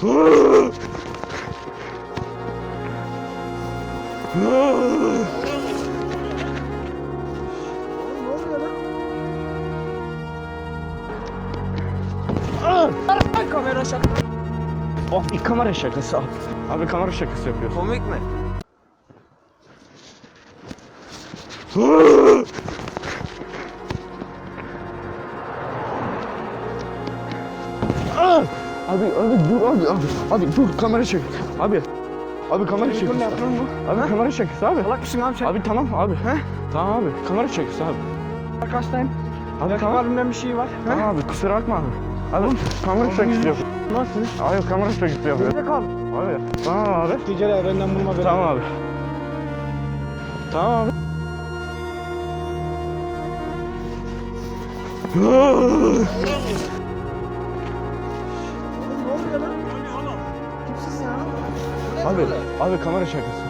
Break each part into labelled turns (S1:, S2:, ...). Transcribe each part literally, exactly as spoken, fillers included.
S1: Kamera şaka.
S2: Oh, bir kamera şakası abi. Abi kamera şakası yapıyorsun.
S1: Komik mi?
S2: Abi abi dur abi abi abi dur kamera çek. Abi abi kamera çek. Abi kamera şakası abi.
S1: Salak mısın abi sen?
S2: Abi tamam abi.
S1: He?
S2: Tamam abi kamera şakası abi.
S1: Bak hastayım.
S2: Abi tamam.
S1: Kalbimden bir şey var.
S2: Tamam abi kusura bakma abi. Abi kamera şakası yapıyor.
S1: Nasıl?
S2: Abi kamera şakası yapıyor.
S1: Nerede kal?
S2: Abi tamam abi.
S1: Ticari evrenden bulma beni.
S2: Tamam abi. Tamam abi.
S1: Ne oluyor lan? Kimsin ya?
S2: Abi abi kamera şakası.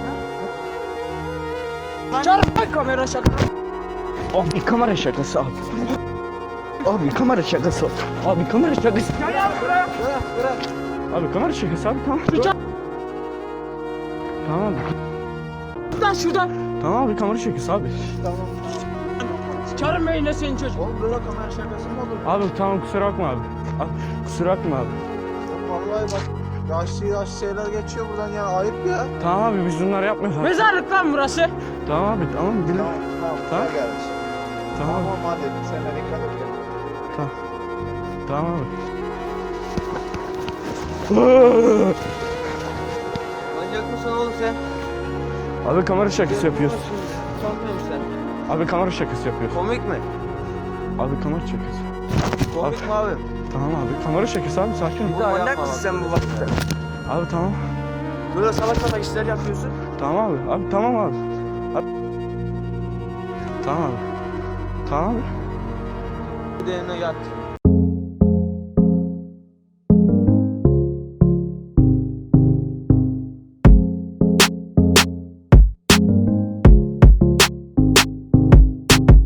S1: Çarpma kamera şaka.
S2: Oh, bir kamera şakası abi. Abi kamera şakası. Abi kamera şakası.
S1: Ya ya bırak. Bırak bırak.
S2: Abi kamera şakası abi tamam. Tamam abi.
S1: Şuradan şuradan.
S2: Tamam abi kamera şakası abi.
S1: Tamam. Çıkarım yine senin çocuk. Oğlum böyle kamera şakası mı olur?
S2: Abi tamam kusura bakma abi. Abi kusura bakma abi.
S3: Vallahi bak yaşlı yaşlı şeyler geçiyor buradan yani ayıp ya.
S2: Tamam abi biz bunları yapmıyoruz abi.
S1: Mezarlık lan burası.
S2: Tamam abi tamam bilim.
S3: Tamam tamam.
S2: Tamam.
S3: Tamam. Gelmiş.
S2: Tamam.
S3: Tamam hadi sen de dikkat et. ya.
S2: Tamam. Tamam abi.
S1: Manyak mısın oğlum sen?
S2: Abi kamera şakası yapıyoruz.
S1: Sanmıyorum sen.
S2: Abi kamera şakası yapıyoruz.
S1: Komik mi?
S2: Abi kamera şakası.
S1: Komik mi abi?
S2: Tamam abi kamera şakası abi sakin ol.
S1: Bu manyak mısın sen bu vakitte?
S2: Abi tamam.
S1: Böyle salak salak işler yapıyorsun.
S2: Tamam abi. Abi tamam abi. Abi. Tamam abi. Tamam abi.
S1: Bir de yanına yat.